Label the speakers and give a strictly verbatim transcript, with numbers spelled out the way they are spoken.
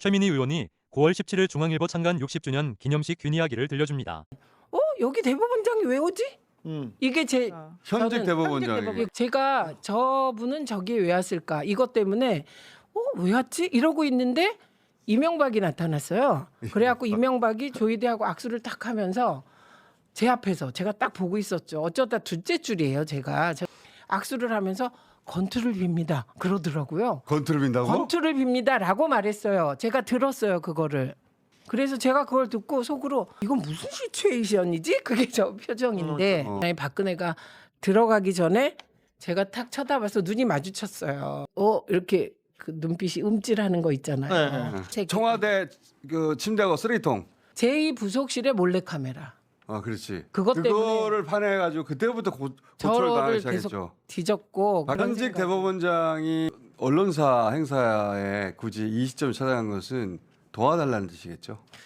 Speaker 1: 최민희 의원이 구월 십칠일 중앙일보 창간 육십 주년 기념식 균 이야기를 들려줍니다.
Speaker 2: 어? 여기 대법원장이 왜 오지?
Speaker 3: 음.
Speaker 2: 이게 제
Speaker 4: 현직
Speaker 2: 저는
Speaker 4: 대법원장이.
Speaker 2: 이- 제가 저분은 저기에 왜 왔을까? 이것 때문에 어? 왜 왔지? 이러고 있는데 이명박이 나타났어요. 그래갖고 이명박이 조이대하고 악수를 딱 하면서 제 앞에서 제가 딱 보고 있었죠. 어쩌다 둘째 줄이에요. 제가 저- 악수를 하면서 건투를 빕니다. 그러더라고요.
Speaker 4: 건투를 빈다고?
Speaker 2: 건투를 빕니다라고 말했어요. 제가 들었어요. 그거를. 그래서 제가 그걸 듣고 속으로 이건 무슨 시츄에이션이지? 그게 저 표정인데
Speaker 4: 어.
Speaker 2: 아니, 박근혜가 들어가기 전에 제가 탁 쳐다봐서 눈이 마주쳤어요. 어 이렇게 그 눈빛이 음찔하는 거 있잖아요.
Speaker 3: 네.
Speaker 2: 제-
Speaker 4: 청와대 그 침대하고 쓰레기통.
Speaker 2: 제이 부속실에 몰래 카메라.
Speaker 4: 아, 그렇지.
Speaker 2: 그것 때문에
Speaker 4: 그거를 판해가지고 그때부터 고, 고초를 당하기
Speaker 2: 저를
Speaker 4: 시작했죠.
Speaker 2: 계속 뒤졌고 그런
Speaker 4: 현직
Speaker 2: 생각-
Speaker 4: 대법원장이 언론사 행사에 굳이 이 시점을 찾아간 것은 도와달라는 뜻이겠죠.